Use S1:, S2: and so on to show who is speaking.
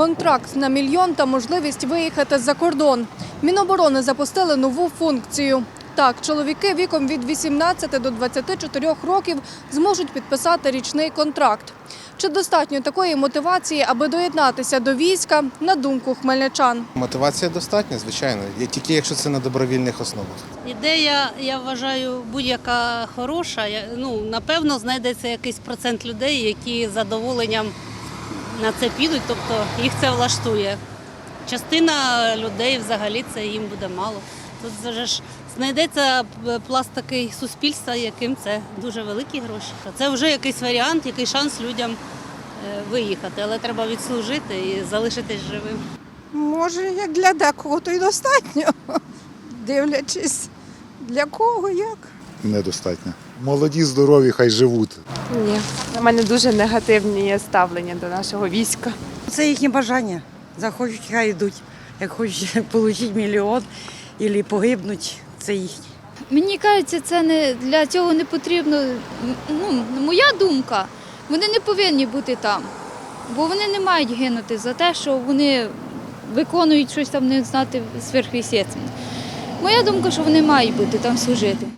S1: контракт на мільйон та можливість виїхати за кордон. Міноборони запустили нову функцію. Так, чоловіки віком від 18 до 24 років зможуть підписати річний контракт. Чи достатньо такої мотивації, аби доєднатися до війська, на думку хмельничан?
S2: Мотивація достатня, звичайно, тільки якщо це на добровільних основах.
S3: Ідея, я вважаю, будь-яка хороша. Напевно, знайдеться якийсь процент людей, які з задоволенням на це підуть, тобто їх це влаштує. Частина людей взагалі це їм буде мало. Тут вже ж знайдеться пласт такий суспільства, яким це дуже великі гроші. Це вже якийсь варіант, який шанс людям виїхати, але треба відслужити і залишитись живим.
S4: Може, як для декого, то й достатньо, дивлячись, для кого, як.
S5: Недостатньо. Молоді, здорові, хай живуть.
S6: Ні, у мене дуже негативні ставлення до нашого війська.
S7: Це їхнє бажання. Захочуть, хай йдуть. Як хочуть отримати мільйон або погибнуть, це їхнє.
S8: Мені кажеться, це не для цього не потрібно. Моя думка, вони не повинні бути там, бо вони не мають гинути за те, що вони виконують щось там, не знати, сверхъестественне. Моя думка, що вони мають бути там служити.